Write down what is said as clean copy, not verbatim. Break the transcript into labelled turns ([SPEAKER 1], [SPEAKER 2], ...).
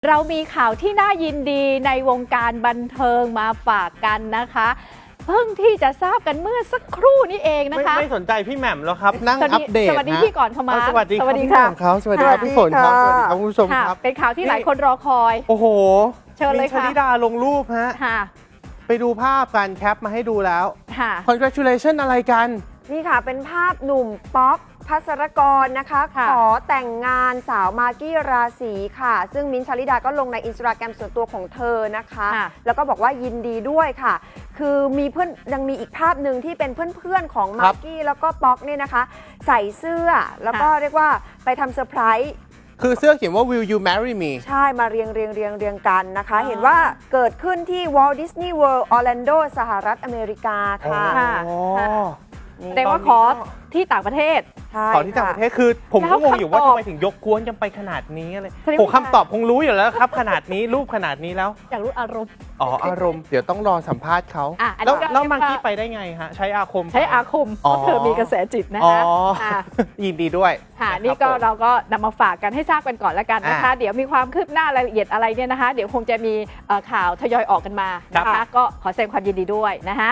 [SPEAKER 1] เรามีข่าวที่น่ายินดีในวงการบันเทิงมาฝากกันนะคะเพิ่งที่จะทราบกันเมื่อสักครู่นี้เองนะคะ
[SPEAKER 2] ไม่สนใจพี่แหม่มแล้วครับนั่งอัปเดต
[SPEAKER 1] สวัสดีพี่ก่อนเข้ามา
[SPEAKER 2] สวัสดีครับเขาสวัสดีครับพี่ฝนครับสวัสดีครับคุณผู้ชมครับ
[SPEAKER 1] เป็นข่าวที่หลายคนรอคอย
[SPEAKER 2] โอ้โห
[SPEAKER 1] เชิญเลยค่ะ
[SPEAKER 2] มินท์ ชลิดาลงรูปฮะไปดูภาพการแคปมาให้ดูแล้ว congratulation อะไรกัน
[SPEAKER 3] นี่ค่ะเป็นภาพหนุ่มป๊อกภัสรกรนะคะขอแต่งงานสาวมากกี้ราศีค่ะซึ่งมิ้นท์ ชลิดาก็ลงในอินสตาแกรมส่วนตัวของเธอนะคะแล้วก็บอกว่ายินดีด้วยค่ะคือมีเพื่อนยังมีอีกภาพหนึ่งที่เป็นเพื่อนๆของมากกี้แล้วก็ป๊อกเนี่ยนะคะใส่เสื้อแล้วก็เรียกว่าไปทำเซอร์ไพรส์
[SPEAKER 2] คือเสื้อเขียนว่า Will you marry me
[SPEAKER 3] ใช่มาเรียงกันนะคะเห็นว่าเกิดขึ้นที่ Walt Disney World Orlando สหรัฐอเมริกาค่ะ
[SPEAKER 1] แต่ว่าขอที่ต่างประเทศ
[SPEAKER 2] ขอที่ต่างประเทศคือผมก็งงอยู่ว่าทำไมถึงยกกวนกันไปขนาดนี้อะไรผมคำตอบคงรู้อยู่แล้วครับขนาดนี้รูปขนาดนี้แล้ว
[SPEAKER 1] อยากรู้อารมณ์
[SPEAKER 2] อารมณ์เดี๋ยวต้องรอสัมภาษณ์เขาแล้วมากกี้ไปได้ไงฮะใช้อาคม
[SPEAKER 1] เพราะเธอมีกระแสจิตนะคะ
[SPEAKER 2] ยินดีด้วย
[SPEAKER 1] ค่ะนี่ก็เราก็นำมาฝากกันให้ทราบกันก่อนแล้วกันนะคะเดี๋ยวมีความคืบหน้ารายละเอียดอะไรเนี่ยนะคะเดี๋ยวคงจะมีข่าวทยอยออกกันมานะคะก็ขอแสดงความยินดีด้วยนะคะ